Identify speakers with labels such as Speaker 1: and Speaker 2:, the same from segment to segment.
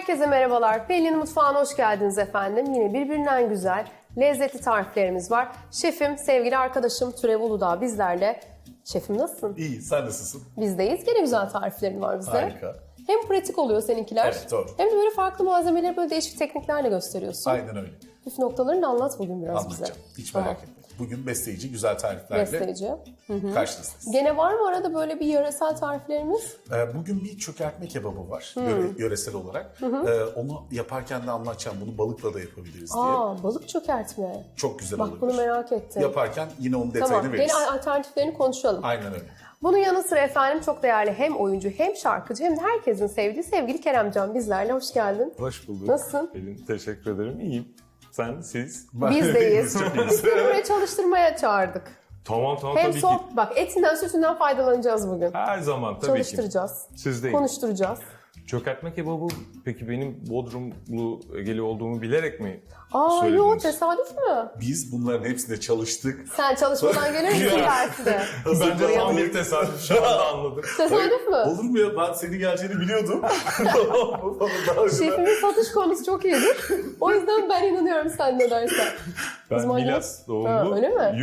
Speaker 1: Herkese merhabalar. Pelin'in mutfağına hoş geldiniz efendim. Yine birbirinden güzel, lezzetli tariflerimiz var. Şefim, sevgili arkadaşım Türev Uludağ bizlerle. Şefim nasılsın?
Speaker 2: İyi, sen nasılsın?
Speaker 1: Bizdeyiz. Gene güzel tariflerin var bize.
Speaker 2: Harika.
Speaker 1: Hem pratik oluyor seninkiler.
Speaker 2: Evet, doğru.
Speaker 1: Hem de böyle farklı malzemeleri böyle değişik tekniklerle gösteriyorsun.
Speaker 2: Aynen öyle.
Speaker 1: Püf noktalarını da anlat bugün biraz bize.
Speaker 2: Anlatacağım. Hiç merak etme. Bugün besleyici, güzel tariflerle
Speaker 1: Besleyici.
Speaker 2: karşınızdayız.
Speaker 1: Gene var mı arada böyle bir yöresel tariflerimiz?
Speaker 2: Bugün bir çökertme kebabı var yöresel olarak. Onu yaparken de anlatacağım. Bunu balıkla da yapabiliriz diye.
Speaker 1: Balık çökertme.
Speaker 2: Çok güzel
Speaker 1: Bak
Speaker 2: olur.
Speaker 1: bunu merak ettim.
Speaker 2: Yaparken yine onun detayını
Speaker 1: Tamam,
Speaker 2: veririz.
Speaker 1: gene alternatiflerini konuşalım.
Speaker 2: Aynen öyle.
Speaker 1: Bunun yanı sıra efendim çok değerli hem oyuncu hem şarkıcı hem de herkesin sevdiği sevgili Keremcan bizlerle. Hoş geldin.
Speaker 3: Hoş bulduk.
Speaker 1: Nasılsın?
Speaker 3: Pelin, teşekkür ederim. İyiyim. Sen, siz?
Speaker 1: Bizdeyiz.
Speaker 2: Çok iyiyiz.
Speaker 1: Biz seni buraya çalıştırmaya çağırdık.
Speaker 3: Tamam
Speaker 1: Hem
Speaker 3: tabii ki.
Speaker 1: bak etinden sütünden faydalanacağız bugün.
Speaker 3: Her zaman tabii ki.
Speaker 1: Çalıştıracağız.
Speaker 3: Sizdeyim.
Speaker 1: Konuşturacağız.
Speaker 3: Çökertme kebabı peki benim Bodrumlu Egeli olduğumu bilerek mi
Speaker 1: Yo
Speaker 3: söylediniz?
Speaker 1: tesadüf mü?
Speaker 2: Biz bunların hepsinde çalıştık.
Speaker 1: Sen çalışmadan gelir misin dersine?
Speaker 3: Bence tam bir tesadüf. Şu anda anladım.
Speaker 1: Tesadüf mü?
Speaker 2: Olur mu ya? Ben senin geleceğini biliyordum. Tamam mı? Daha önceden-
Speaker 1: Şefimin satış konusu çok iyidir. O yüzden ben inanıyorum sen ne dersen.
Speaker 3: Ben
Speaker 1: zaman
Speaker 3: Milas
Speaker 1: Ha,
Speaker 3: doğumlu.
Speaker 1: öyle mi?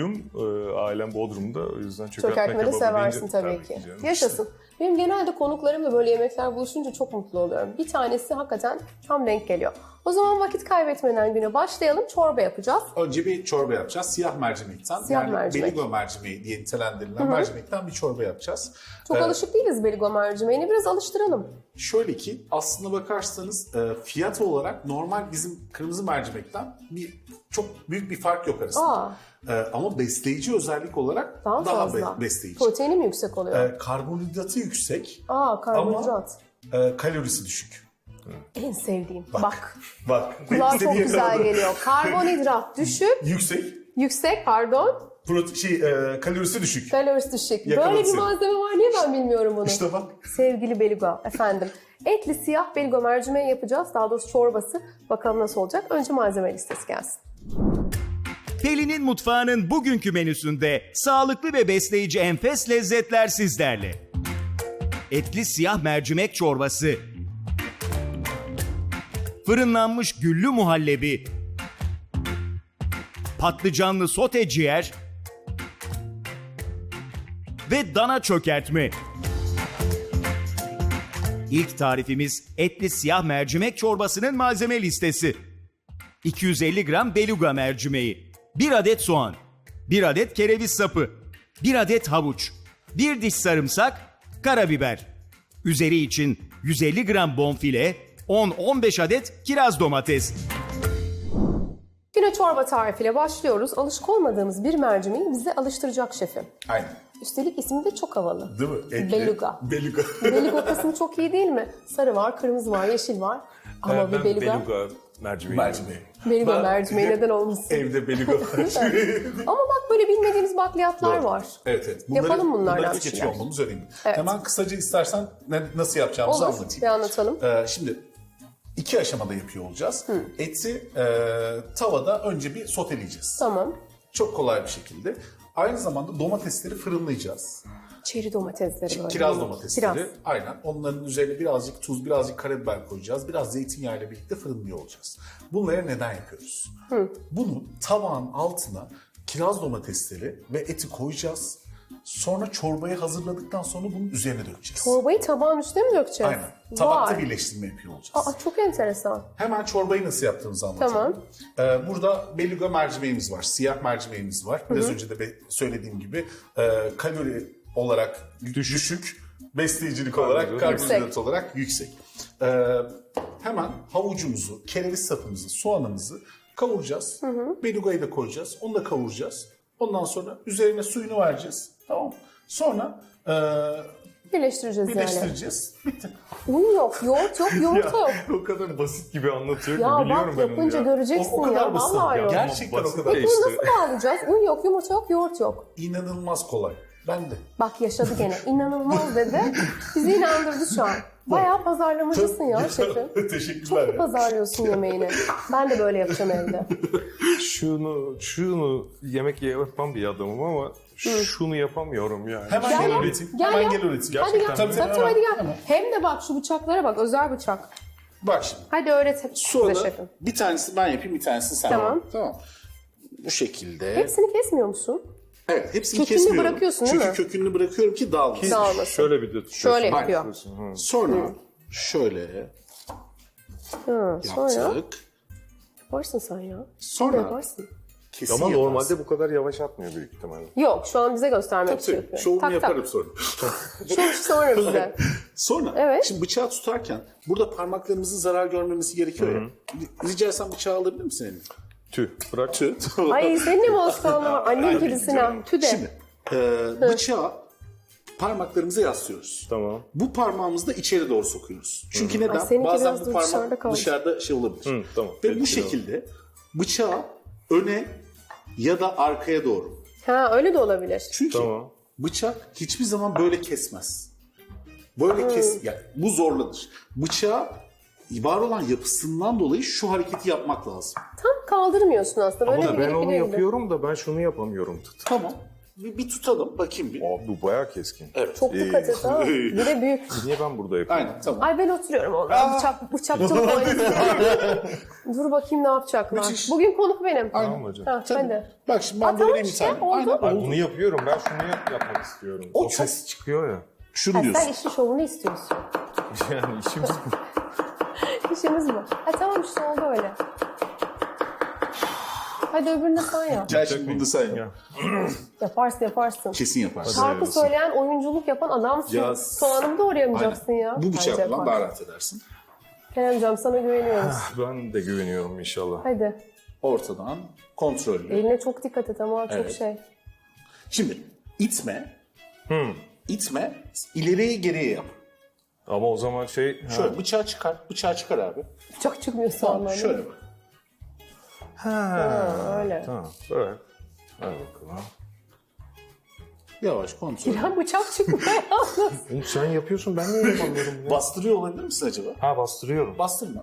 Speaker 3: Ailem Bodrum'da. O yüzden çökertme
Speaker 1: Çökertme de
Speaker 3: kebabı
Speaker 1: seversin
Speaker 3: deyince
Speaker 1: tabii ki.
Speaker 3: canım.
Speaker 1: Yaşasın. Benim genelde konuklarımla böyle yemekler buluşunca çok mutlu oluyorum. Bir tanesi hakikaten tam denk geliyor. O zaman vakit kaybetmeden güne başlayalım. Çorba yapacağız.
Speaker 2: Önce bir çorba yapacağız. Siyah mercimekten.
Speaker 1: Siyah mercimek.
Speaker 2: Beligo mercimeği diye nitelendirilen mercimekten bir çorba yapacağız.
Speaker 1: Çok alışık değiliz beligo mercimeğini. Biraz alıştıralım.
Speaker 2: Şöyle ki aslına bakarsanız fiyat olarak normal bizim kırmızı mercimekten çok büyük bir fark yok arasında. Ama besleyici özellik olarak
Speaker 1: Daha fazla.
Speaker 2: besleyici.
Speaker 1: Proteini mi yüksek oluyor?
Speaker 2: Karbonhidratı yüksek
Speaker 1: Karbonhidrat.
Speaker 2: ama kalorisi düşük.
Speaker 1: En sevdiğim. Bak.
Speaker 2: Bak.
Speaker 1: Kulağa çok
Speaker 2: istediği
Speaker 1: güzel
Speaker 2: yakaladım.
Speaker 1: geliyor. Karbonhidrat düşük.
Speaker 2: Yüksek.
Speaker 1: Yüksek pardon.
Speaker 2: Kalorisi düşük.
Speaker 1: Kalorisi düşük.
Speaker 2: Yakaladın
Speaker 1: Böyle bir
Speaker 2: seni.
Speaker 1: malzeme var. Niye ben bilmiyorum bunu?
Speaker 2: İşte bak.
Speaker 1: Sevgili beligo efendim. Etli siyah beligo mercimeği yapacağız. Daha doğrusu çorbası. Bakalım nasıl olacak. Önce malzeme listesi gelsin.
Speaker 4: Pelin'in mutfağının bugünkü menüsünde sağlıklı ve besleyici enfes lezzetler sizlerle. Etli siyah mercimek çorbası, fırınlanmış güllü muhallebi, patlıcanlı sote ciğer ve dana çökertme. İlk tarifimiz etli siyah mercimek çorbasının malzeme listesi. 250 gram beluga mercimeği, 1 adet soğan, 1 adet kereviz sapı, 1 adet havuç, 1 diş sarımsak, karabiber. Üzeri için 150 gram bonfile, 10-15 adet kiraz domates.
Speaker 1: Güne çorba tarifiyle başlıyoruz. Alışık olmadığımız bir mercimeği bize alıştıracak şefim.
Speaker 2: Aynen.
Speaker 1: Üstelik ismi de çok havalı.
Speaker 2: Değil mi? Etli.
Speaker 1: Beluga.
Speaker 2: Beluga.
Speaker 1: Beligo kısmı çok iyi değil mi? Sarı var, kırmızı var, yeşil var. Ama bir
Speaker 3: Ben
Speaker 1: beluga.
Speaker 3: mercimeği.
Speaker 2: Mercimeği.
Speaker 1: Beligo
Speaker 2: Ben
Speaker 1: mercimeği
Speaker 2: hep
Speaker 1: neden olmasın?
Speaker 2: Evde beluga mercimeği.
Speaker 1: Ama bak böyle bilmediğimiz bakliyatlar var.
Speaker 2: Evet.
Speaker 1: Yapalım bunlardan
Speaker 2: Bunları
Speaker 1: bir
Speaker 2: tüketiyor
Speaker 1: şeyler.
Speaker 2: olmamız önemli.
Speaker 1: Evet.
Speaker 2: Hemen kısaca istersen nasıl yapacağımızı
Speaker 1: Olur,
Speaker 2: anlatayım.
Speaker 1: bir anlatalım.
Speaker 2: Şimdi 2 aşamada yapıyor olacağız. Eti tavada önce bir soteleyeceğiz.
Speaker 1: Tamam.
Speaker 2: Çok kolay bir şekilde. Aynı zamanda domatesleri fırınlayacağız.
Speaker 1: Çeri domatesleri böyle.
Speaker 2: Kiraz domatesleri.
Speaker 1: Kiraz.
Speaker 2: Aynen. Onların üzerine birazcık tuz, birazcık karabiber koyacağız. Biraz zeytinyağı ile birlikte fırınlıyor olacağız. Bunları neden yapıyoruz? Bunu tabağın altına kiraz domatesleri ve eti koyacağız. Sonra çorbayı hazırladıktan sonra bunun üzerine dökeceğiz.
Speaker 1: Çorbayı tabağın üstüne mi dökeceğiz?
Speaker 2: Aynen. Tabakta
Speaker 1: Vay.
Speaker 2: birleştirme yapıyor olacağız.
Speaker 1: Çok enteresan.
Speaker 2: Hemen çorbayı nasıl yaptığımızı anlatalım. Burada beluga mercimeğimiz var, siyah mercimeğimiz var. Biraz önce de söylediğim gibi kalori olarak düşük, besleyicilik olarak, karbonhidrat
Speaker 1: Yüksek.
Speaker 2: olarak yüksek. Hemen havucumuzu, kereviz sapımızı, soğanımızı kavuracağız. Belugayı da koyacağız, onu da kavuracağız. Ondan sonra üzerine suyunu vereceğiz. Tamam mı? Sonra
Speaker 1: Birleştireceğiz yani.
Speaker 2: birleştireceğiz. Bitti.
Speaker 1: Un yok, yoğurt yok, yumurta yok.
Speaker 3: O kadar basit gibi anlatıyor ki
Speaker 1: Ya
Speaker 3: biliyorum
Speaker 1: bak
Speaker 3: ben onu
Speaker 1: yapınca
Speaker 3: ya.
Speaker 1: göreceksin
Speaker 2: O kadar
Speaker 1: ya.
Speaker 2: basit.
Speaker 1: Vallahi
Speaker 2: Ya.
Speaker 1: yok.
Speaker 2: Gerçekten o
Speaker 3: Basit
Speaker 2: kadar
Speaker 3: de
Speaker 1: Bunu
Speaker 3: işte.
Speaker 1: nasıl bağlayacağız? Un yok, yumurta yok, yoğurt yok.
Speaker 2: İnanılmaz kolay. Ben de.
Speaker 1: Bak yaşadı gene. İnanılmaz dedi. Bizi inandırdı şu an. Bayağı pazarlamacısın ya şefim.
Speaker 2: Teşekkürler.
Speaker 1: Çok pazarlıyorsun yemeğini. Ben de böyle yapacağım evde.
Speaker 3: Şunu yemek yapmam bir adamım ama şunu yapamıyorum yani.
Speaker 2: Hemen
Speaker 1: Gel
Speaker 2: gel
Speaker 1: ya.
Speaker 2: üreteyim.
Speaker 1: Gel
Speaker 2: Hemen
Speaker 1: ya.
Speaker 2: gel üreteyim.
Speaker 1: Hadi gel.
Speaker 3: Gerçekten
Speaker 1: Tabii hadi gel. Hem de bak şu bıçaklara bak. Özel bıçak.
Speaker 2: Bak şimdi.
Speaker 1: Hadi öğret bize
Speaker 2: Sonra
Speaker 1: şefim.
Speaker 2: bir tanesini ben yapayım, bir tanesini sen
Speaker 1: Tamam.
Speaker 2: yap. Tamam. Bu şekilde.
Speaker 1: Hepsini kesmiyor musun?
Speaker 2: Evet, hepsini
Speaker 1: Kökünü
Speaker 2: kesmiyorum.
Speaker 1: bırakıyorsun, değil
Speaker 2: Çünkü
Speaker 1: mi?
Speaker 2: kökünü bırakıyorum ki dağılmasın.
Speaker 1: Dağılmasın.
Speaker 3: Şöyle bir de tutuyorsun.
Speaker 1: Şöyle yapıyor.
Speaker 3: Hı.
Speaker 2: Sonra şöyle
Speaker 1: Hı, sonra
Speaker 2: yaptık.
Speaker 1: yaparsın sen ya.
Speaker 2: Sonra
Speaker 1: Yaparsın.
Speaker 2: kesin
Speaker 3: Ama
Speaker 2: yaparsın.
Speaker 3: normalde bu kadar yavaş atmıyor büyük ihtimalle.
Speaker 1: Yok, şu an bize göstermek için
Speaker 2: Tabii,
Speaker 1: yapıyor.
Speaker 2: şovumu
Speaker 1: Tak,
Speaker 2: yaparım sonra.
Speaker 1: Şov sonra bize.
Speaker 2: Sonra
Speaker 1: Evet.
Speaker 2: şimdi bıçağı tutarken burada parmaklarımızın zarar görmemesi gerekiyor ya. Rica etsem bıçağı alabilir misin eline?
Speaker 3: Tüh bırak.
Speaker 1: Ay senin de mi alışkanlığı var? Annem kedisine. Tüde.
Speaker 2: Şimdi bıçağı parmaklarımıza yaslıyoruz.
Speaker 3: Tamam.
Speaker 2: Bu parmağımızı da içeri doğru sokuyoruz. Çünkü neden?
Speaker 1: Ay, seninki
Speaker 2: Bazen
Speaker 1: biraz
Speaker 2: bu
Speaker 1: da dışarıda
Speaker 2: parmak
Speaker 1: kaldı.
Speaker 2: dışarıda şey olabilir.
Speaker 3: Hı, tamam.
Speaker 2: Ve bu
Speaker 3: Peki,
Speaker 2: şekilde bıçağı öne ya da arkaya doğru.
Speaker 1: Ha öyle de olabilir.
Speaker 2: Çünkü
Speaker 3: Tamam.
Speaker 2: bıçak hiçbir zaman böyle kesmez. Böyle yani bu zorlanır. Bıçağı var olan yapısından dolayı şu hareketi yapmak lazım.
Speaker 1: Tam kaldırmıyorsun aslında. Böyle
Speaker 3: Ama da ben
Speaker 1: bir
Speaker 3: onu
Speaker 1: gibi.
Speaker 3: yapıyorum da ben şunu yapamıyorum.
Speaker 2: Tamam. Bir tutalım bakayım bir.
Speaker 3: Abi bu bayağı keskin.
Speaker 2: Evet.
Speaker 1: Çok dikkat et ha. Bir de büyük.
Speaker 3: Niye ben burada yapıyorum?
Speaker 2: Aynen tamam.
Speaker 1: Ay ben oturuyorum orada. Bıçakçılık oynayayım. Dur bakayım ne yapacaklar.
Speaker 2: Müthiş.
Speaker 1: Bugün konuk benim.
Speaker 3: Tamam hocam.
Speaker 1: Ha, hadi.
Speaker 2: Bak şimdi ben
Speaker 1: Aa,
Speaker 2: böyle
Speaker 1: tamam
Speaker 2: vereyim bir
Speaker 1: işte,
Speaker 2: tane.
Speaker 1: oldu.
Speaker 2: Aynen
Speaker 3: Ben
Speaker 2: oldu.
Speaker 3: bunu yapıyorum. Ben şunu yapmak istiyorum.
Speaker 2: O
Speaker 3: O
Speaker 2: çok-
Speaker 3: ses çıkıyor ya.
Speaker 2: Şunu
Speaker 1: Ha, sen
Speaker 2: diyorsun.
Speaker 1: işin şovunu istiyorsun.
Speaker 3: Yani işimiz bu.
Speaker 1: İşimiz bu. Ha tamam işte oldu öyle. Hadi öbürünü de sen yap.
Speaker 2: Gel şimdi bunu da sen yap.
Speaker 3: Ya.
Speaker 1: Yaparsın.
Speaker 2: Kesin yaparsın.
Speaker 1: Şarkı söyleyen, oyunculuk yapan adamsın.
Speaker 2: Ya-
Speaker 1: Soğanımı doğrayamayacaksın ya.
Speaker 2: Bu
Speaker 1: Bence
Speaker 2: bıçakla
Speaker 1: yaparsın.
Speaker 2: daha rahat edersin.
Speaker 1: Kerem hocam sana güveniyoruz.
Speaker 3: Ben de güveniyorum inşallah.
Speaker 1: Hadi.
Speaker 2: Ortadan kontrollü.
Speaker 1: Eline çok dikkat et ama çok
Speaker 2: Evet.
Speaker 1: şey.
Speaker 2: Şimdi itme. İtme. İleriye geriye yap.
Speaker 3: Ama o zaman şey...
Speaker 2: Şöyle bıçağı çıkar. Bıçağı çıkar abi.
Speaker 1: Çok çıkmıyor
Speaker 2: Tamam
Speaker 1: soğanlar.
Speaker 2: şöyle bak.
Speaker 1: Öyle.
Speaker 3: Tamam. Evet. Hadi bakalım.
Speaker 2: Yavaş kontrol.
Speaker 1: Ya bıçak çıkmıyor yalnız.
Speaker 3: Oğlum sen yapıyorsun ben niye yapamıyorum ya?
Speaker 2: Bastırıyor olabilir misin acaba?
Speaker 3: Ha bastırıyorum.
Speaker 2: Bastırma.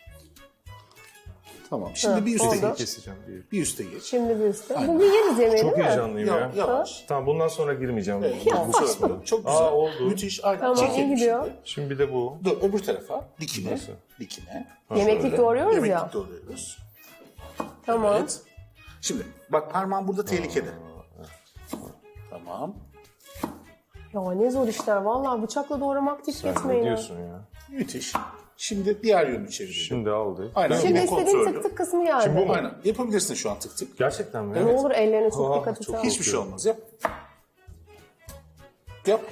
Speaker 2: Tamam. Şimdi bir üste
Speaker 1: oldu.
Speaker 2: geç.
Speaker 3: Keseceğim diye.
Speaker 2: Bir üste geç.
Speaker 1: Şimdi bir üstte.
Speaker 2: Aynen.
Speaker 1: Bugün yeriz yemeği
Speaker 3: Çok
Speaker 1: değil mi?
Speaker 3: heyecanlıyım ya.
Speaker 2: Yavaş.
Speaker 3: Tamam bundan sonra girmeyeceğim.
Speaker 2: Tamam, bu sefer böyle. Çok güzel.
Speaker 3: oldu.
Speaker 2: Müthiş. Aynen.
Speaker 1: Tamam,
Speaker 2: Çekelim
Speaker 1: iyi gidiyor.
Speaker 2: şimdi.
Speaker 3: Şimdi bir de bu.
Speaker 2: Dur öbür tarafa. Dikine.
Speaker 3: Nasıl?
Speaker 2: Dikine.
Speaker 1: Yemeklik
Speaker 2: Şöyle.
Speaker 1: doğruyoruz
Speaker 2: Yemeklik
Speaker 1: ya.
Speaker 2: doğruyoruz.
Speaker 1: Tamam.
Speaker 2: Evet. Şimdi bak parmağım burada tehlikede. Tamam.
Speaker 1: Ya ne zor işler. Vallahi bıçakla doğramak hiç
Speaker 3: Sen
Speaker 1: geçmeyin
Speaker 3: ne
Speaker 1: ya.
Speaker 3: diyorsun ya?
Speaker 2: Müthiş. Şimdi diğer yönünü çevirelim.
Speaker 3: Şimdi aldı.
Speaker 2: Aynen.
Speaker 1: Şimdi
Speaker 2: yine
Speaker 1: istediğin
Speaker 2: kontrollü.
Speaker 1: tık tık kısmı geldi.
Speaker 3: Şimdi bu mu?
Speaker 2: Aynen. Yapabilirsin şu an tık tık.
Speaker 3: Gerçekten mi?
Speaker 1: Ne olur ellerine çok
Speaker 3: Aa,
Speaker 1: dikkat et.
Speaker 3: çok
Speaker 1: ha.
Speaker 2: Hiçbir şey olmaz. Yap. Yap.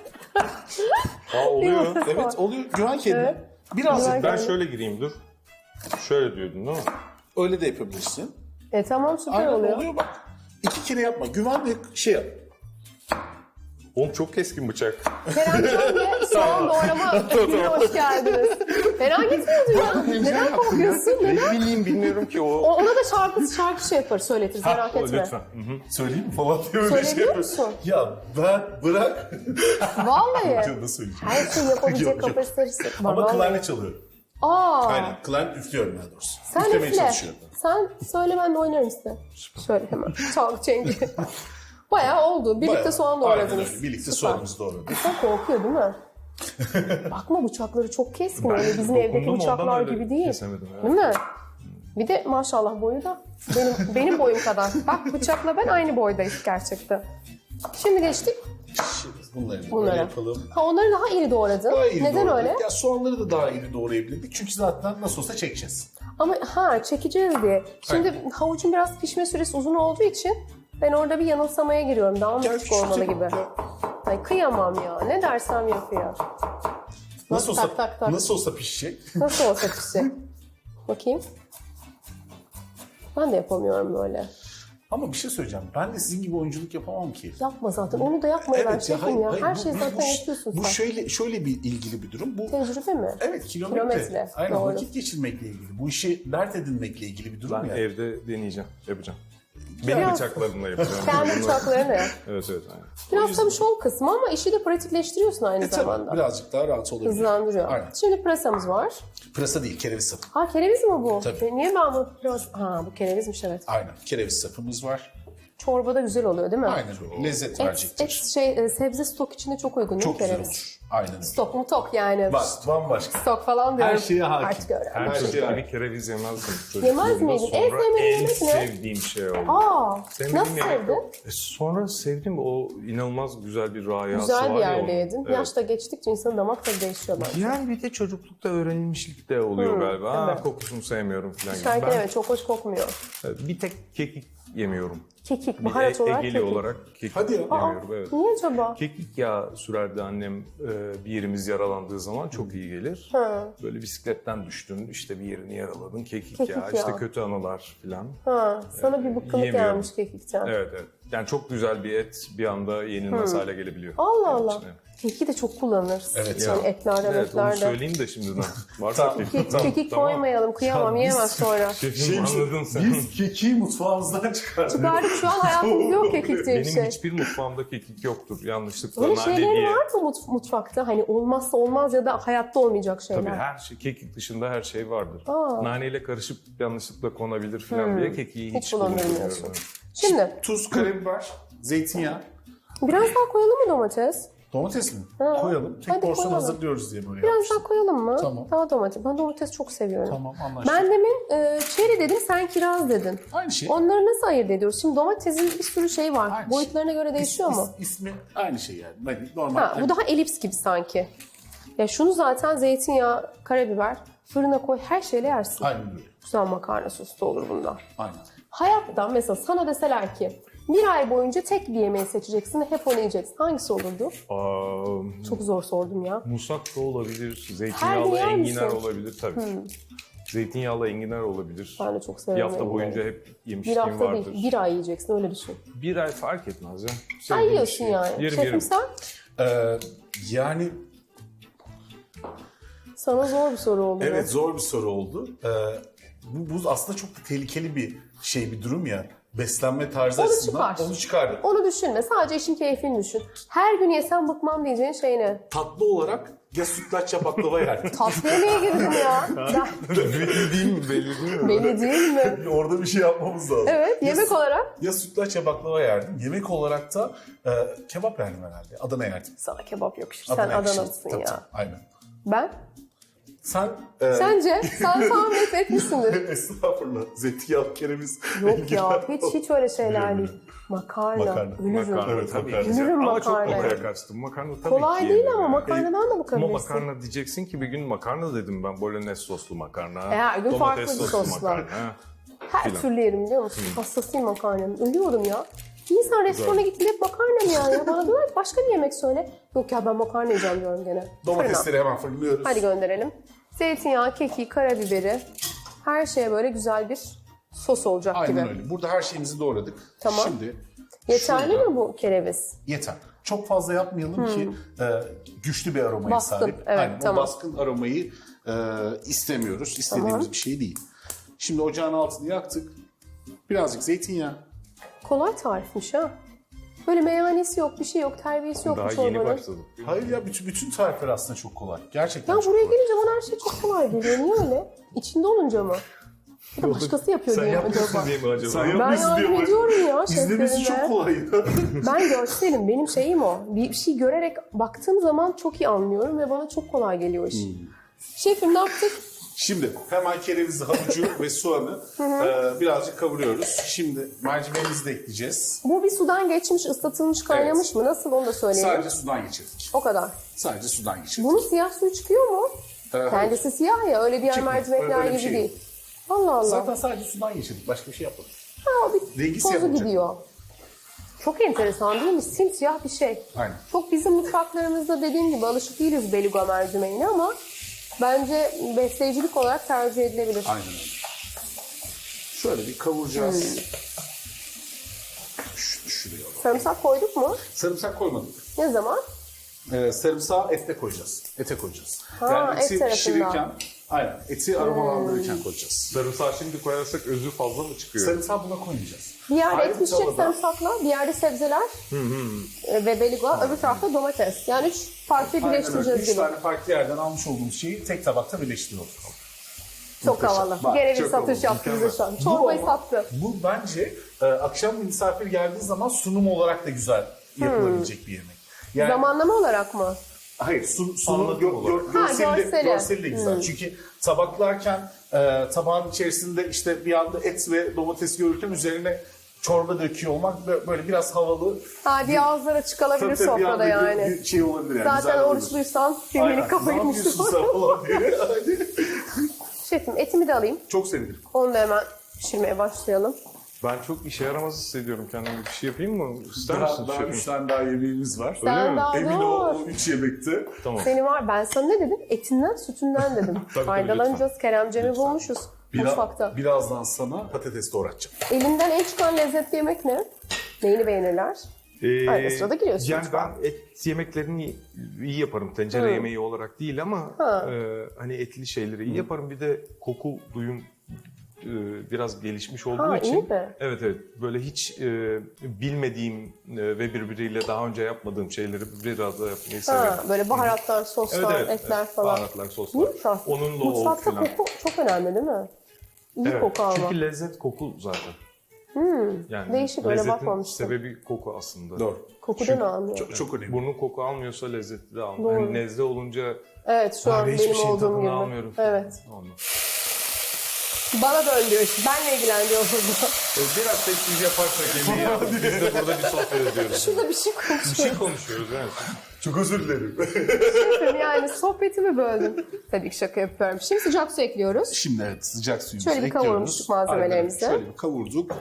Speaker 3: Aa oluyor.
Speaker 2: Evet oluyor. Güven kendine. Birazcık
Speaker 1: Güven-
Speaker 3: Ben şöyle gireyim dur. Şöyle diyordun değil mi?
Speaker 2: öyle de yapabilirsin.
Speaker 1: Tamam süper
Speaker 2: Aynen
Speaker 1: oluyor.
Speaker 2: oluyor bak. 2 kere yapma. Güven ve şey yap.
Speaker 3: Oğlum çok keskin bıçak.
Speaker 1: Keremcan ve soğan doğrama ekibine hoş geldiniz. Fena gitmiyordu ya. Neden korkuyorsun? Neden?
Speaker 3: Ne bileyim bilmiyorum ki o.
Speaker 1: Ona da şarkı şey yapar, söyletiriz merak etme.
Speaker 3: Lütfen. Hı hı.
Speaker 2: Söyleyeyim mi falan diye öyle
Speaker 1: Söyleyebiliyor musun?
Speaker 2: Ya ben bırak.
Speaker 1: Vallahi.
Speaker 2: Canına söyleyeceğim.
Speaker 1: Her şeyi yapabilecek
Speaker 2: Yok, yok.
Speaker 1: kapasitesi var.
Speaker 2: Ama
Speaker 1: Vallahi.
Speaker 2: klarnet çalıyor.
Speaker 1: Aa,
Speaker 2: Aynen. Klarnet üflüyorum daha doğrusu.
Speaker 1: sen
Speaker 2: Üflemeye
Speaker 1: üfle.
Speaker 2: çalışıyorum.
Speaker 1: Sen söyle ben de oynarım size. Şöyle hemen. Çalgı çengi. Bayağı oldu. Birlikte
Speaker 2: Bayağı.
Speaker 1: soğan
Speaker 2: Aynen
Speaker 1: doğradınız.
Speaker 2: öyle. Birlikte
Speaker 1: Süper.
Speaker 2: soğanımızı doğradık.
Speaker 1: Çok korkuyor değil mi? Bakma bıçakları çok keskin. Öyle bizim evdeki
Speaker 3: dokundum,
Speaker 1: bıçaklar
Speaker 3: ondan öyle
Speaker 1: gibi değil.
Speaker 3: kesemedim ya.
Speaker 1: Değil mi? Bir de maşallah boyu da benim boyum kadar. Bak bıçakla ben aynı boydayız gerçekten. Şimdi geçtik
Speaker 2: Şimdi bunları da böyle
Speaker 1: bunlara.
Speaker 2: yapalım.
Speaker 1: Ha onları daha iri doğradın.
Speaker 2: Daha iri
Speaker 1: Neden
Speaker 2: doğradık.
Speaker 1: öyle?
Speaker 2: Ya soğanları da daha iri doğrayabilirdik. Çünkü zaten nasıl olsa çekeceğiz.
Speaker 1: Ama çekeceğiz diye. Şimdi havucun biraz pişme süresi uzun olduğu için ben orada bir yanılsamaya giriyorum. Daha mı
Speaker 2: Gel
Speaker 1: küçük olmalı
Speaker 2: küçültelim.
Speaker 1: gibi.
Speaker 2: Gel.
Speaker 1: Ay kıyamam ya. Ne dersem yapıyor.
Speaker 2: Nasıl olsa,
Speaker 1: tak.
Speaker 2: nasıl olsa pişecek.
Speaker 1: Nasıl olsa pişecek. Bakayım. Ben de yapamıyorum böyle.
Speaker 2: Ama bir şey söyleyeceğim. Ben de sizin gibi oyunculuk yapamam ki.
Speaker 1: Yapma zaten. Onu da yapmayı ver şefim ya.
Speaker 2: hayır,
Speaker 1: Her
Speaker 2: bu-
Speaker 1: şeyi
Speaker 2: bu-
Speaker 1: zaten
Speaker 2: bu-
Speaker 1: yapıyorsun
Speaker 2: Bu
Speaker 1: sen.
Speaker 2: şöyle bir ilgili bir durum. Bu
Speaker 1: Tecrübe mi?
Speaker 2: evet
Speaker 1: Kilometre,
Speaker 2: kilometre. Aynen
Speaker 1: doğru.
Speaker 2: vakit geçirmekle ilgili. Bu işi dert edinmekle ilgili bir durum
Speaker 3: Ben
Speaker 2: ya.
Speaker 3: evde deneyeceğim. Yapacağım. Benim
Speaker 1: Biraz-
Speaker 3: bıçaklarımla yapacağım.
Speaker 1: Kendi bıçaklarını yap.
Speaker 3: Evet aynen.
Speaker 1: Biraz tabii şov kısmı ama işi de pratikleştiriyorsun aynı
Speaker 2: Tabii
Speaker 1: zamanda.
Speaker 2: birazcık daha rahat olabilir.
Speaker 1: Hızlandırıyor.
Speaker 2: Aynen.
Speaker 1: Şimdi pırasamız var.
Speaker 2: Pırasa değil, kereviz sapı.
Speaker 1: Ha kereviz mi bu?
Speaker 2: Tabii.
Speaker 1: Niye ben bu pırasa... Ha bu kerevizmiş evet.
Speaker 2: Aynen. Kereviz sapımız var.
Speaker 1: Çorbada güzel oluyor değil mi?
Speaker 2: Aynen öyle. Lezzet verecektir.
Speaker 1: Sebze stok içinde çok uygun değil mi
Speaker 2: Çok güzel
Speaker 1: kereviz?
Speaker 2: olur. Aynen öyle.
Speaker 1: Stok mu tok yani.
Speaker 2: Bak bambaşka.
Speaker 1: Stok falan diyorum.
Speaker 2: Her şeye hakim.
Speaker 1: Artık öyle.
Speaker 3: Her
Speaker 2: Her
Speaker 3: çocuk
Speaker 2: şey
Speaker 3: gibi
Speaker 2: aynı.
Speaker 3: kereviz yemezdim.
Speaker 1: Yemez
Speaker 3: Çocukluğumda.
Speaker 1: miydin? En
Speaker 3: Sonra
Speaker 1: sevmediğin
Speaker 3: en
Speaker 1: yemek ne?
Speaker 3: sevdiğim şey oldu.
Speaker 1: Aa,
Speaker 3: Sevmediğim
Speaker 1: nasıl
Speaker 3: yemek
Speaker 1: sevdin?
Speaker 3: yok. Sonra sevdim, o inanılmaz güzel bir rayası
Speaker 1: Güzel
Speaker 3: var
Speaker 1: bir
Speaker 3: ya
Speaker 1: yerde
Speaker 3: onun.
Speaker 1: yedin.
Speaker 3: Evet.
Speaker 1: Yaşta geçtikçe insanın damak tadı değişiyor bence.
Speaker 3: Yani bir de çocuklukta öğrenilmişlik de oluyor galiba.
Speaker 1: evet.
Speaker 3: Kokusunu sevmiyorum falan gibi.
Speaker 1: Şarkı
Speaker 3: Ben
Speaker 1: evet çok hoş kokmuyor.
Speaker 3: bir tek kekik yemiyorum.
Speaker 1: Kekik,
Speaker 3: Bir
Speaker 1: baharat olarak
Speaker 3: Egeli
Speaker 1: kekik.
Speaker 3: olarak kekik
Speaker 2: Hadi ya.
Speaker 3: yemiyorum. Evet.
Speaker 1: Niye acaba?
Speaker 3: Kekik yağı sürerdi annem, bir yerimiz yaralandığı zaman çok iyi gelir.
Speaker 1: Ha.
Speaker 3: Böyle bisikletten düştün, işte bir yerini yaraladın, kekik
Speaker 1: Kekik
Speaker 3: yağı, işte
Speaker 1: yağı.
Speaker 3: kötü anılar falan.
Speaker 1: Ha, sana bir bıkkınlık
Speaker 3: yiyemiyorum.
Speaker 1: gelmiş kekikten.
Speaker 3: Evet evet. Yani çok güzel bir et bir anda yenilmez hale gelebiliyor.
Speaker 1: Allah
Speaker 3: benim
Speaker 1: Allah.
Speaker 3: için, evet.
Speaker 1: Kekiki de çok kullanırız.
Speaker 2: Evet
Speaker 1: Yani
Speaker 3: Ya,
Speaker 1: etlerde,
Speaker 3: evet, onu
Speaker 1: etlerde.
Speaker 3: söyleyeyim de şimdiden. Varsa
Speaker 1: Kekik koymayalım, kıyamam,
Speaker 2: Ya biz-
Speaker 1: yiyemez sonra.
Speaker 3: Şefim anladın sen.
Speaker 2: Biz kekiği mutfağımızdan çıkardık.
Speaker 1: Çıkardık şu an hayatımızda yok kekik diye bir
Speaker 3: Benim
Speaker 1: şey.
Speaker 3: hiçbir mutfağımda kekik yoktur. Yanlışlıkla
Speaker 1: Öyle
Speaker 3: nane
Speaker 1: şeylerin
Speaker 3: diye.
Speaker 1: var mı mutfakta? Hani olmazsa olmaz ya da hayatta olmayacak şeyler.
Speaker 3: Tabii her şey, kekik dışında her şey vardır.
Speaker 1: Aa.
Speaker 3: Naneyle karışıp yanlışlıkla konabilir falan diye kekiği
Speaker 1: Hiç
Speaker 3: hiç
Speaker 1: kullanmıyorsun.
Speaker 3: kullanmıyorum.
Speaker 1: Şimdi
Speaker 2: Tuz, karabiber, zeytinyağı,
Speaker 1: biraz daha koyalım mı domates?
Speaker 2: domates mi?
Speaker 1: Ha.
Speaker 2: Koyalım. Tek
Speaker 1: Hadi
Speaker 2: porsiyon
Speaker 1: koyalım.
Speaker 2: hazırlıyoruz diye böyle
Speaker 1: Biraz
Speaker 2: yapmıştım.
Speaker 1: daha koyalım mı?
Speaker 2: Tamam.
Speaker 1: Daha domates. Ben domates çok seviyorum.
Speaker 2: Tamam, anlaştık.
Speaker 1: Ben demin çeri dedim, sen kiraz dedin.
Speaker 2: Aynı şey.
Speaker 1: Onları nasıl ayırt ediyoruz? Şimdi domatesin bir sürü şey var.
Speaker 2: Aynı
Speaker 1: Boyutlarına göre değişiyor mu?
Speaker 2: İsmi aynı şey yani. Hani normal.
Speaker 1: Ha, bu daha elips gibi sanki. Ya şunu zaten zeytinyağı, karabiber, fırına koy, her şeyle yersin.
Speaker 2: Aynen öyle.
Speaker 1: Güzel makarna sosu da olur bunda.
Speaker 2: Aynen.
Speaker 1: Hayatta mesela sana deseler ki bir ay boyunca tek bir yemeği seçeceksin ve hep onu yiyeceksin. Hangisi olurdu? Çok zor sordum ya.
Speaker 3: Musak da olabilir,
Speaker 1: Her
Speaker 3: zeytinyağlı
Speaker 1: gün yer
Speaker 3: enginar
Speaker 1: misin?
Speaker 3: olabilir tabii. Zeytinyağlı enginar olabilir.
Speaker 1: Ben de çok
Speaker 3: Bir
Speaker 1: severim.
Speaker 3: hafta
Speaker 1: enginarı.
Speaker 3: boyunca hep
Speaker 1: Bir
Speaker 3: yemişliğim
Speaker 1: hafta
Speaker 3: vardır.
Speaker 1: değil, bir ay yiyeceksin öyle düşün.
Speaker 3: Bir ay fark etmez ya.
Speaker 1: Ay
Speaker 3: Sevdiğim bir
Speaker 1: yiyorsun
Speaker 3: şey.
Speaker 1: yani.
Speaker 3: Yerim
Speaker 1: Şefim
Speaker 3: yerim.
Speaker 1: sen?
Speaker 2: Yani
Speaker 1: Sana zor bir soru oldu.
Speaker 2: evet zor bir soru oldu. Bu aslında çok da tehlikeli bir şey, bir durum ya. Beslenme tarzı
Speaker 1: Onu
Speaker 2: açısından
Speaker 1: çıkar.
Speaker 2: onu çıkardık.
Speaker 1: Onu düşünme. Sadece işin keyfini düşün. Her gün yesen bıkmam diyeceğin şey ne?
Speaker 2: Tatlı olarak ya sütlaç ya baklava yerdim.
Speaker 1: Tatlı yemeğe girdim ya.
Speaker 3: Belli değil mi? Belli değil mi?
Speaker 1: Belli değil mi?
Speaker 2: Orada bir şey yapmamız lazım.
Speaker 1: Evet, yemek olarak.
Speaker 2: Ya sütlaç ya baklava yerdim. Yemek olarak da kebap yerdim herhalde. Adana yerdim.
Speaker 1: Sana kebap yakışır. Sen
Speaker 2: Adana yakışır.
Speaker 1: Adanalısın
Speaker 2: Tabii,
Speaker 1: ya.
Speaker 2: tabii, aynen.
Speaker 1: Ben?
Speaker 2: Sen
Speaker 1: Sence? Sen tahmin etmişsindir.
Speaker 2: estağfurullah. Zeytinyağlı kereviz.
Speaker 1: Yok ya, hiç öyle şeyler değil. Makarna,
Speaker 2: Makarna.
Speaker 1: ölürüm.
Speaker 3: Makarna
Speaker 2: Evet,
Speaker 3: tabii
Speaker 2: makarna.
Speaker 3: ki.
Speaker 1: Ölürüm
Speaker 3: Ama çok
Speaker 1: makarnaya.
Speaker 3: oraya kaçtım. Makarna tabii
Speaker 1: Kolay
Speaker 3: ki
Speaker 1: değil
Speaker 3: yenir
Speaker 1: ama
Speaker 3: yani.
Speaker 1: makarnadan da
Speaker 3: Ama
Speaker 1: bakabilirsin.
Speaker 3: makarna diyeceksin ki bir gün makarna dedim ben. Bolognese soslu makarna.
Speaker 1: Her gün
Speaker 3: domates
Speaker 1: farklı bir
Speaker 3: soslu
Speaker 1: soslar.
Speaker 3: makarna.
Speaker 1: Her
Speaker 3: filan.
Speaker 1: türlü yerim biliyor musun? Hastasıyım makarnanın. Ölüyorum ya. Bir insan restorana gittiğinde hep makarna mı yani? Bana diyorlar ki başka bir yemek söyle. Yok ya ben makarna yiyeceğim diyorum gene. Fırına.
Speaker 2: Domatesleri hemen fırınlıyoruz.
Speaker 1: Hadi gönderelim. Zeytinyağı, keki, karabiberi. Her şeye böyle güzel bir sos olacak
Speaker 2: Aynen
Speaker 1: gibi.
Speaker 2: öyle. Burada her şeyimizi doğradık.
Speaker 1: Tamam.
Speaker 2: Şimdi
Speaker 1: Yeterli
Speaker 2: şurada-
Speaker 1: mi bu kereviz?
Speaker 2: Yeter. Çok fazla yapmayalım ki güçlü bir aromaya
Speaker 1: Baskın,
Speaker 2: sahip.
Speaker 1: evet,
Speaker 2: Aynen,
Speaker 1: tamam.
Speaker 2: o baskın aromayı istemiyoruz. İstediğimiz
Speaker 1: Tamam.
Speaker 2: bir şey değil. Şimdi ocağın altını yaktık. Birazcık zeytinyağı.
Speaker 1: Kolay tarifmiş ha. Böyle meyhanesi yok, bir şey yok, terbiyesi yok bu
Speaker 3: Daha yeni
Speaker 1: çorbanın.
Speaker 3: başladık.
Speaker 2: Hayır ya bütün tarifler aslında çok kolay. Gerçekten
Speaker 1: Ya
Speaker 2: çok
Speaker 1: buraya
Speaker 2: kolay.
Speaker 1: gelince bana her şey çok kolay geliyor. Niye öyle? İçinde olunca mı? Ya da başkası yapıyor
Speaker 2: Sen
Speaker 1: diye mi
Speaker 2: yapmıyorsun
Speaker 1: acaba?
Speaker 3: diye mi acaba?
Speaker 2: Sen
Speaker 1: Ben
Speaker 2: yapmıyorsun diye
Speaker 1: yardım
Speaker 2: mi?
Speaker 1: ediyorum ya
Speaker 2: İzlemesi çok
Speaker 1: şeflerime.
Speaker 2: kolay ya.
Speaker 1: Ben görselim, benim şeyim o. Bir şey görerek baktığım zaman çok iyi anlıyorum ve bana çok kolay geliyor iş. Şefim ne yaptık?
Speaker 2: Şimdi hemen kerevizi, havucu ve soğanı birazcık kavuruyoruz. Şimdi mercimeğimizi de ekleyeceğiz.
Speaker 1: Bu bir sudan geçmiş, ıslatılmış, kaynamış mı? Nasıl onu da söyleyelim.
Speaker 2: Sadece sudan geçirdik.
Speaker 1: O kadar.
Speaker 2: Sadece sudan geçirdik.
Speaker 1: Bunun siyah suyu çıkıyor mu?
Speaker 2: Hayır.
Speaker 1: Kendisi siyah ya, öyle diğer
Speaker 2: Çıkmıyor.
Speaker 1: mercimekler
Speaker 2: Öyle bir
Speaker 1: gibi
Speaker 2: şey
Speaker 1: değil. Allah Allah.
Speaker 2: Zaten sadece sudan geçirdik. Başka bir şey yapmadık.
Speaker 1: Ha, o bir
Speaker 2: rengi siyah
Speaker 1: tozu
Speaker 2: olacak.
Speaker 1: gidiyor. Çok enteresan değil mi? Simsiyah bir şey.
Speaker 2: Aynen.
Speaker 1: Çok bizim mutfaklarımızda dediğim gibi alışık değiliz beluga mercimeğine ama bence besleyicilik olarak tercih edilebilir.
Speaker 2: Aynen öyle. Şöyle bir kavuracağız. Şuraya alalım.
Speaker 1: Sarımsak koyduk mu?
Speaker 2: Sarımsak koymadık.
Speaker 1: Ne zaman?
Speaker 2: Sarımsağı ete koyacağız. Ete koyacağız.
Speaker 1: Ha,
Speaker 2: yani
Speaker 1: et
Speaker 2: eti
Speaker 1: tarafından.
Speaker 2: pişirirken, aynen, eti aromalandırırken koyacağız.
Speaker 3: Sarımsağı şimdi koyarsak özü fazla mı çıkıyor?
Speaker 2: Sarımsağı buna koymayacağız.
Speaker 1: Bir yerde
Speaker 2: Ayrı
Speaker 1: et
Speaker 2: bir
Speaker 1: pişecek
Speaker 2: tavada-
Speaker 1: sarımsakla, bir yerde sebzeler ve beluga, öbür tarafta domates. Yani 3 parçayı
Speaker 2: Aynen öyle.
Speaker 1: birleştireceğiz
Speaker 2: 3
Speaker 1: gibi.
Speaker 2: tane farklı yerden almış olduğumuz şeyi tek tabakta birleştiriyoruz.
Speaker 1: Çok havalı.
Speaker 2: Bak,
Speaker 1: Gereği
Speaker 2: çok
Speaker 1: satış
Speaker 2: havalı,
Speaker 1: yaptı bize şu an. Çorbayı
Speaker 2: ama-
Speaker 1: sattı.
Speaker 2: Bu bence akşam bir misafir geldiği zaman sunum olarak da güzel yapılabilecek bir yemek. Yani
Speaker 1: Zamanlama olarak mı?
Speaker 2: Hayır, sunum
Speaker 3: Anladım olarak.
Speaker 1: görseli.
Speaker 2: görseli de güzel. Çünkü tabaklarken tabağın içerisinde işte bir anda et ve domates görürken üzerine çorba döküyor olmak böyle biraz havalı.
Speaker 1: Bir ağızlara çıkabilir
Speaker 2: Tabii bir
Speaker 1: sofrada
Speaker 2: anda
Speaker 1: yani.
Speaker 2: bir şey olabilir yani.
Speaker 1: Zaten
Speaker 2: güzel olabilir.
Speaker 1: oruçluysan
Speaker 2: Aynen.
Speaker 1: filmini
Speaker 2: Ne
Speaker 1: kafayı
Speaker 2: yapıyorsun sen falan diye. Hadi.
Speaker 1: Şefim etimi de alayım.
Speaker 2: Çok sevinirim.
Speaker 1: Onu da hemen pişirmeye başlayalım.
Speaker 3: Ben çok işe yaramaz hissediyorum kendimi. Bir şey yapayım mı? İster misin
Speaker 2: Daha
Speaker 3: şefim?
Speaker 2: 3 tane daha yemeğimiz var.
Speaker 1: Sen
Speaker 3: mi?
Speaker 1: daha
Speaker 2: Emin
Speaker 1: dur.
Speaker 2: ol 3 yemekte.
Speaker 3: Tamam.
Speaker 1: Seni var. Ben sana ne dedim? Etinden, sütünden dedim.
Speaker 3: Tabii,
Speaker 1: Faydalanacağız. Keremcemi bulmuşuz mutfakta.
Speaker 2: Birazdan sana patates doğratacağım.
Speaker 1: Elinden en çıkan lezzetli yemek ne? Neyini beğenirler? Arada sırada giriyorsun
Speaker 3: Yani
Speaker 1: mutfağa.
Speaker 3: ben et yemeklerini iyi yaparım. Tencere yemeği olarak değil ama hani etli şeyleri iyi yaparım. Bir de koku duyum biraz gelişmiş olduğu için.
Speaker 1: iyi mi?
Speaker 3: Evet böyle hiç bilmediğim ve birbiriyle daha önce yapmadığım şeyleri biraz da yapmayı severim.
Speaker 1: Böyle baharatlar, soslar, etler falan.
Speaker 3: Baharatlar, soslar.
Speaker 1: İyi aslında.
Speaker 3: Onunla
Speaker 1: Mutfakta
Speaker 3: o falan.
Speaker 1: koku çok önemli değil mi? İyi
Speaker 3: Evet,
Speaker 1: koku almak.
Speaker 3: çünkü lezzet koku zaten. Yani
Speaker 1: Değişik, öyle
Speaker 3: lezzetin
Speaker 1: bakmamıştım.
Speaker 3: sebebi koku aslında.
Speaker 2: Doğru.
Speaker 1: Kokudan anlıyor.
Speaker 2: Çok önemli.
Speaker 3: Burnun koku almıyorsa lezzeti de almıyor.
Speaker 1: Doğru.
Speaker 3: Hani nezle olunca
Speaker 1: Evet şu an
Speaker 3: abi hiçbir
Speaker 1: benim
Speaker 3: şeyin
Speaker 1: olduğum
Speaker 3: tadını
Speaker 1: gibi.
Speaker 3: almıyorum.
Speaker 1: Evet.
Speaker 3: Olmuyor.
Speaker 1: Bana dön diyor. Benle ilgileniyor burada.
Speaker 3: Biraz sessiz yaparsak yemeği ya. Biz de burada bir sohbet ediyoruz.
Speaker 1: Şurada bir şey
Speaker 3: Bir
Speaker 1: konuşuyor.
Speaker 3: şey konuşuyoruz evet.
Speaker 2: Çok özür dilerim.
Speaker 1: Şefim yani sohbetimi böldüm. Tabii ki şaka yapıyorum. Şimdi sıcak su ekliyoruz.
Speaker 2: Şimdi evet sıcak suyumuzu
Speaker 1: Şöyle bir
Speaker 2: ekliyoruz.
Speaker 1: kavurmuştuk malzemelerimizi.
Speaker 2: Aynen, şöyle bir kavurduk.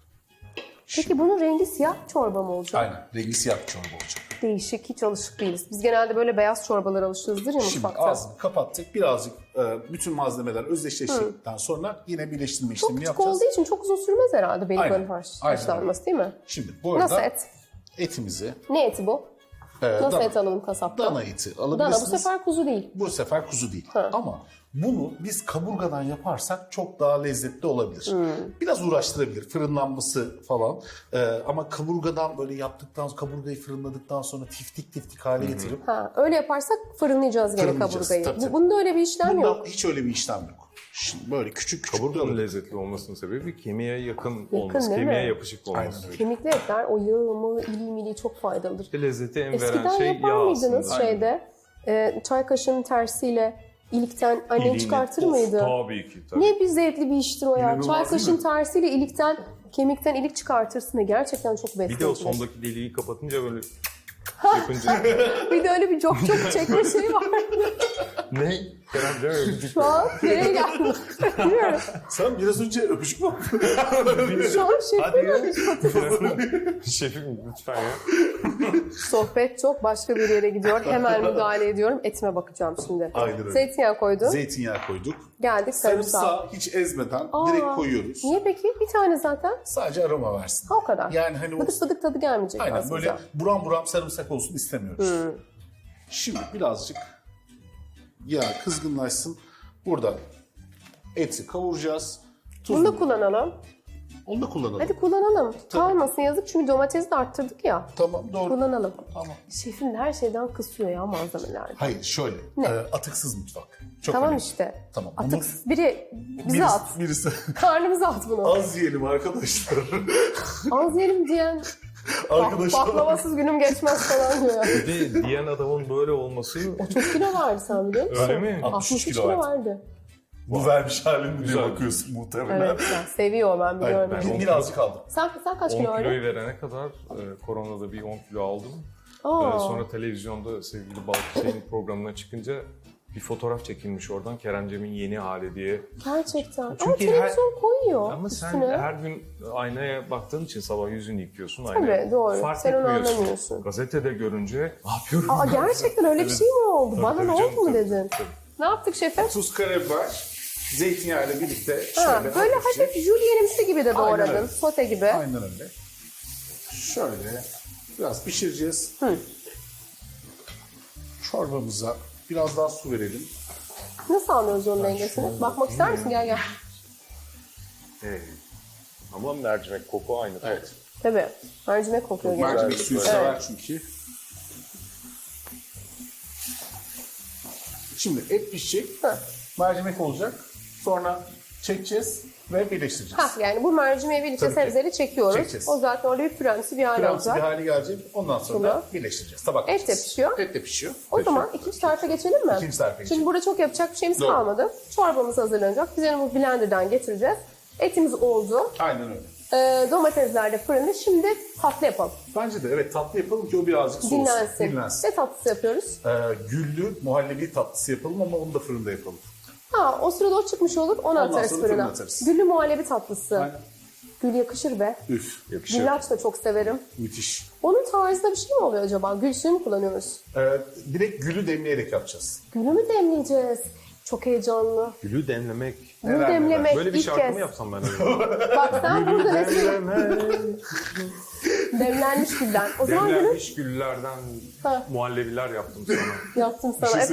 Speaker 1: Peki bunun rengi siyah çorba mı olacak?
Speaker 2: Aynen. Rengi siyah bir çorba olacak.
Speaker 1: Değişik, hiç alışık değiliz. Biz genelde böyle beyaz çorbalara alışığızdır ya
Speaker 2: Şimdi
Speaker 1: mutfakta.
Speaker 2: ağzını kapattık. Birazcık bütün malzemeler özdeşleştikten sonra yine birleştirme işlemini
Speaker 1: Çok küçük
Speaker 2: yapacağız.
Speaker 1: olduğu için çok uzun sürmez herhalde beluganın
Speaker 2: Aynen, aynen
Speaker 1: haşlanması değil mi?
Speaker 2: Şimdi bu arada
Speaker 1: Nasıl et?
Speaker 2: etimizi
Speaker 1: Ne eti bu? Nasıl
Speaker 2: dana,
Speaker 1: et alalım kasapta?
Speaker 2: dana eti
Speaker 1: Dana
Speaker 2: alabilirsiniz.
Speaker 1: bu sefer kuzu değil.
Speaker 2: Bu sefer kuzu değil. Ama bunu biz kaburgadan yaparsak çok daha lezzetli olabilir. Biraz uğraştırabilir fırınlanması falan. Ama kaburgadan böyle yaptıktan sonra kaburgayı fırınladıktan sonra tiftik tiftik hale getirip
Speaker 1: Öyle yaparsak fırınlayacağız gene
Speaker 2: Fırınlayacağız,
Speaker 1: kaburgayı.
Speaker 2: tabii, tabii.
Speaker 1: Bunda öyle bir işlem yok.
Speaker 2: bunda hiç öyle bir işlem yok. Şimdi böyle küçük küçük
Speaker 3: Kaburganın lezzetli olmasının sebebi kemiğe yakın olması,
Speaker 1: değil
Speaker 3: kemiğe
Speaker 1: mi?
Speaker 3: yapışık
Speaker 2: Aynen
Speaker 3: olması.
Speaker 2: öyle.
Speaker 1: Kemikli etler o yağı mı iliği miliği çok faydalıdır.
Speaker 3: İşte lezzeti en
Speaker 1: Eskiden
Speaker 3: veren şey
Speaker 1: yapar
Speaker 3: yağ
Speaker 1: mıydınız
Speaker 3: aslında.
Speaker 1: şeyde çay kaşığının tersiyle ilikten annen
Speaker 3: İliğini-
Speaker 1: çıkartır
Speaker 3: Of,
Speaker 1: mıydı?
Speaker 3: Tabii ki. Tabii.
Speaker 1: Ne bir zevkli bir iştir o ya.
Speaker 2: İnanılmaz
Speaker 1: Çay
Speaker 2: değil
Speaker 1: kaşığın
Speaker 2: mi?
Speaker 1: tersiyle ilikten, kemikten ilik çıkartırsın ve gerçekten çok
Speaker 3: Bir de o
Speaker 1: besleyicidir.
Speaker 3: sondaki deliği kapatınca böyle yapınca
Speaker 1: Bir de öyle bir çok çekme şeyi var.
Speaker 3: ne? Kerem değil mi?
Speaker 1: Şu an nereye geldim? Bilmiyorum.
Speaker 2: Sen biraz önce öpücük mü yaptın?
Speaker 1: Şu an şey
Speaker 3: Hadi ya.
Speaker 1: yapıyorum.
Speaker 3: Şefim lütfen ya.
Speaker 1: Sohbet çok başka bir yere gidiyor. Hemen müdahale ediyorum. Etime bakacağım şimdi.
Speaker 2: Aynen öyle.
Speaker 1: Zeytinyağı koydum.
Speaker 2: Zeytinyağı koyduk.
Speaker 1: Geldik sarımsağı.
Speaker 2: Sarımsağı hiç ezmeden direkt koyuyoruz.
Speaker 1: Niye peki? Bir tane zaten.
Speaker 2: Sadece aroma versin.
Speaker 1: Ha, o kadar.
Speaker 2: Yani hani o
Speaker 1: Bıdık bıdık tadı gelmeyecek
Speaker 2: aynen
Speaker 1: aslında.
Speaker 2: böyle buram buram sarımsak olsun istemiyoruz. Şimdi birazcık yağ kızgınlaşsın. Burada eti kavuracağız.
Speaker 1: Bunu da kullanalım.
Speaker 2: Onu da kullanalım.
Speaker 1: Hadi kullanalım. Kalmasın yazık çünkü domatesi de arttırdık ya.
Speaker 2: Tamam doğru.
Speaker 1: Kullanalım.
Speaker 2: Tamam.
Speaker 1: Şefim de her şeyden kısıyor ya malzemelerde.
Speaker 2: Hayır şöyle. Atıksız mutfak. Çok
Speaker 1: Tamam
Speaker 2: önemli.
Speaker 1: işte.
Speaker 2: Tamam.
Speaker 1: Atıksız biri bize at.
Speaker 2: Birisi
Speaker 1: Karnımıza at bunu.
Speaker 2: az yiyelim arkadaşlar.
Speaker 1: Az yerim diyen
Speaker 2: arkadaşlar.
Speaker 1: baklavasız günüm geçmez falan diyor.
Speaker 3: Bir de diyen adamın böyle olması
Speaker 1: O çok kilo verdi sen biliyor musun?
Speaker 3: öyle mi?
Speaker 1: 63
Speaker 2: kilo
Speaker 1: kilo
Speaker 2: verdi.
Speaker 1: verdi.
Speaker 2: Bu vermiş halin diye
Speaker 3: Güzel.
Speaker 2: bakıyorsun muhtemelen.
Speaker 1: Evet ya, seviyor ben biliyorum.
Speaker 2: Aynen. Birazcık aldım.
Speaker 1: Sen kaç
Speaker 3: 10
Speaker 1: kilo
Speaker 3: kiloyu
Speaker 1: verdin?
Speaker 3: verene kadar koronada bir 10 kilo aldım.
Speaker 1: Aa,
Speaker 3: Sonra televizyonda sevgili Balkışay'ın programına çıkınca bir fotoğraf çekilmiş oradan Keremcem'in yeni hali diye.
Speaker 1: gerçekten. Ama
Speaker 3: Çünkü
Speaker 1: televizyon koyuyor
Speaker 3: Ama sen
Speaker 1: üstüne.
Speaker 3: her gün aynaya baktığın için sabah yüzünü yıkıyorsun
Speaker 1: Tabii,
Speaker 3: aynaya.
Speaker 1: doğru.
Speaker 3: Fark
Speaker 1: Sen onu
Speaker 3: etmiyorsun.
Speaker 1: anlamıyorsun.
Speaker 3: Gazetede görünce ne yapıyorum?
Speaker 1: Aa, gerçekten öyle bir şey mi oldu?
Speaker 3: Tabii,
Speaker 1: Bana
Speaker 3: tabii
Speaker 1: ne
Speaker 3: canım,
Speaker 1: oldu mu
Speaker 3: tabii,
Speaker 1: dedin?
Speaker 3: tabii.
Speaker 1: Ne yaptık şefim?
Speaker 2: Tuz, karabiber, zeytinyağı ile birlikte
Speaker 1: Ha,
Speaker 2: şöyle
Speaker 1: böyle
Speaker 2: hafifçe-
Speaker 1: hafif jülyenimsi gibi de
Speaker 2: Aynen
Speaker 1: doğradın.
Speaker 2: öyle.
Speaker 1: Sote gibi.
Speaker 2: Aynen öyle. Şöyle biraz pişireceğiz. Çorbamıza biraz daha su verelim.
Speaker 1: Nasıl anlıyoruz onun dengesini? Bakmak ister misin? Gel gel.
Speaker 3: Ama mercimek koku aynı.
Speaker 2: Evet.
Speaker 1: Tabii. Mercimek kokuyor
Speaker 2: Mercimek
Speaker 1: genelde.
Speaker 2: suyu
Speaker 3: Evet.
Speaker 2: sever çünkü. Şimdi et pişecek.
Speaker 1: Hı.
Speaker 2: Mercimek olacak. Sonra çekeceğiz ve birleştireceğiz.
Speaker 1: Yani bu mercimeği birlikte
Speaker 2: Tabii ki.
Speaker 1: sebzeleri çekiyoruz.
Speaker 2: Çekeceğiz.
Speaker 1: O zaten orada bir püremsi bir hal
Speaker 2: Kremsi bir
Speaker 1: olacak.
Speaker 2: hale gelecek. Ondan sonra da birleştireceğiz. Tabak
Speaker 1: Et de pişiyor.
Speaker 2: Et de pişiyor.
Speaker 1: O zaman ikinci tarafa geçelim mi?
Speaker 2: İkinci tarafa geçelim.
Speaker 1: Şimdi burada çok yapacak bir şeyimiz
Speaker 2: Doğru.
Speaker 1: kalmadı. Çorbamız hazırlanacak. Biz onu blenderdan getireceğiz. Etimiz oldu.
Speaker 2: Aynen öyle.
Speaker 1: Domatesler de fırında. Şimdi tatlı yapalım.
Speaker 2: Bence de evet tatlı yapalım ki o birazcık soğusun.
Speaker 1: Dinlensin. Ne tatlısı yapıyoruz?
Speaker 2: Güllü muhallebi tatlısı yapalım ama onu da fırında yapalım.
Speaker 1: O sırada o çıkmış olur. Onu
Speaker 2: Ondan
Speaker 1: atarız
Speaker 2: sonra
Speaker 1: fırına.
Speaker 2: fırına atarız.
Speaker 1: Güllü muhallebi tatlısı.
Speaker 2: Aynen.
Speaker 1: Gül yakışır be.
Speaker 2: Üf.
Speaker 3: Yakışır.
Speaker 1: Güllaç da çok severim.
Speaker 2: Müthiş.
Speaker 1: Onun tarzda bir şey mi oluyor acaba? Gül suyu mu kullanıyoruz?
Speaker 2: Direkt gülü demleyerek yapacağız.
Speaker 1: Gülü mü demleyeceğiz? Çok heyecanlı.
Speaker 3: Gülü demlemek.
Speaker 1: Gül
Speaker 2: Neler
Speaker 1: demlemek
Speaker 3: Böyle bir
Speaker 1: ilk
Speaker 3: şarkı
Speaker 1: kez.
Speaker 3: mı yapsam ben acaba?
Speaker 1: Bak sen burada
Speaker 3: Demlemek.
Speaker 1: demlenmiş gülden. O zaman gülü
Speaker 3: Demlenmiş güllerden
Speaker 1: Ha.
Speaker 3: muhallebiler yaptım sana.
Speaker 1: yaptım sana.